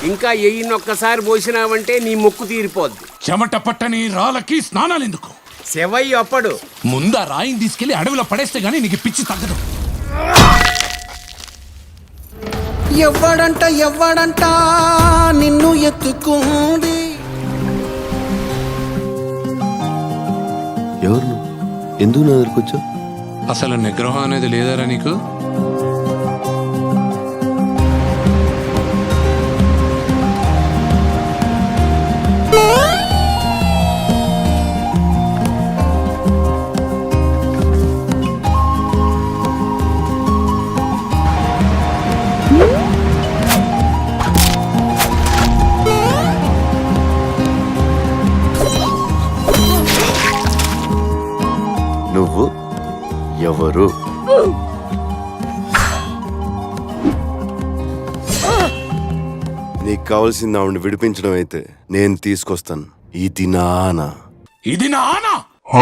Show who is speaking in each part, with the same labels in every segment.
Speaker 1: ఇంకా ఎయ్యినొక్కసారి పోసినావంటే నీ మొక్కు తీరిపోద్ది.
Speaker 2: చెమట పట్టని రాళ్ళకి స్నానాలెందుకు?
Speaker 1: శివయ్య అప్పడు
Speaker 2: ముందా రాయిని తీసుకెళ్లి అడవిలో పడేస్తే గానీ నీకు పిచ్చి తగ్గదు.
Speaker 3: ఎవ్వడంట నిన్ను ఎత్తుకుంది.
Speaker 4: ఎవరు ఎందుకు నా దగ్గరకు వచ్చావు?
Speaker 2: అసలు నిగ్రహం అనేది లేదారా నీకు?
Speaker 4: నువ్వు ఎవరు? నీకు కావాల్సింది ఆవిడని విడిపించడం అయితే నేను తీసుకొస్తాను. ఇది నా ఆనా.
Speaker 2: ఇది నా ఆనా?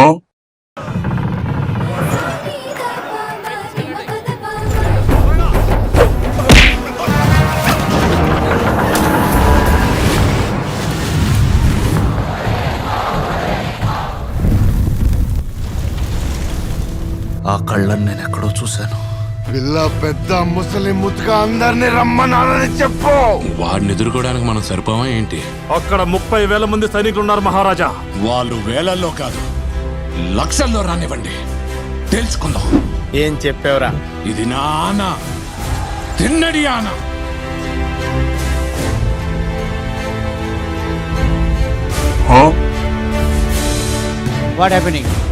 Speaker 3: ఆ కళ్ళని నేను ఎక్కడో చూశాను.
Speaker 4: పిల్ల పెద్ద ముసలి ముద్దుగా అందరినీ రమ్మన్నారని చెప్పు.
Speaker 2: వాడిని ఎదుర్కోవడానికి మనం సరిపోవా ఏంటి?
Speaker 5: అక్కడ 30,000 మంది సైనికులు ఉన్నారు మహారాజా.
Speaker 2: వాళ్ళు వేలల్లో కాదు లక్షల్లో రానివ్వండి, తెలుసుకుందాం.
Speaker 1: ఏం చెప్పావురా?
Speaker 2: ఇది నా ఆనా, తిన్నడి ఆనా.
Speaker 6: What happening?